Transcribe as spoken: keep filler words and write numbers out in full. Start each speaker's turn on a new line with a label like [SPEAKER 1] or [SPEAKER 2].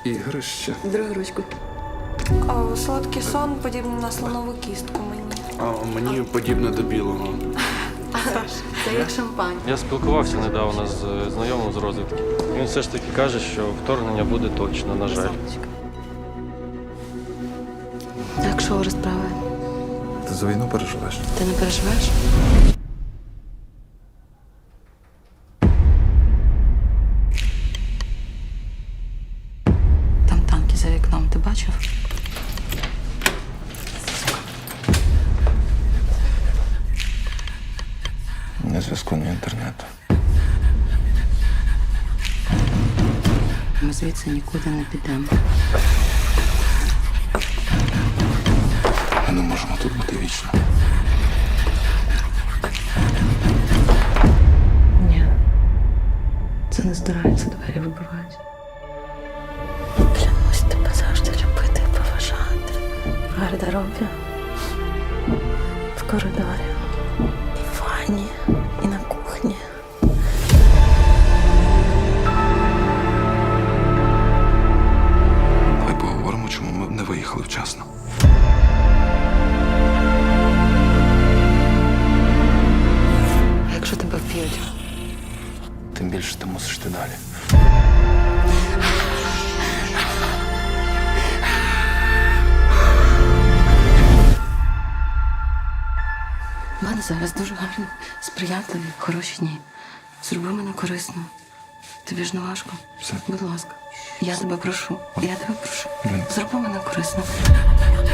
[SPEAKER 1] ігрище.
[SPEAKER 2] Другу ручку.
[SPEAKER 3] А, солодкий сон подібний на слонову кістку мені.
[SPEAKER 1] А мені подібне до білого.
[SPEAKER 2] Це як шампань.
[SPEAKER 4] Я спілкувався недавно з е, знайомим з розвідки. Він все ж таки каже, що вторгнення буде точно, на жаль.
[SPEAKER 2] Як що розправи?
[SPEAKER 1] Ти за війну переживеш?
[SPEAKER 2] Ти не переживаєш? Там танки за вікном, ти бачив?
[SPEAKER 1] Ні зв'язку, ні інтернету.
[SPEAKER 2] Ми звідси нікуди не підемо.
[SPEAKER 1] Ми не можемо тут бути вічно.
[SPEAKER 2] Ні. Це не здирається, двері вибивають. Клянусь тебе завжди любити і поважати. В гардеробі, в коридорі, і в ванні, і на кухні.
[SPEAKER 1] Давай поговоримо, чому ми не виїхали вчасно.
[SPEAKER 2] А якщо тебе вб'ють?
[SPEAKER 1] Тим більше ти мусиш йти далі.
[SPEAKER 2] У мене зараз дуже гарні, сприятливі, хороші дні. Зроби мене корисно. Тобі ж не важко.
[SPEAKER 1] Все.
[SPEAKER 2] Будь ласка. Я тебе прошу. Я тебе прошу.
[SPEAKER 1] Блін.
[SPEAKER 2] Зроби мене корисно.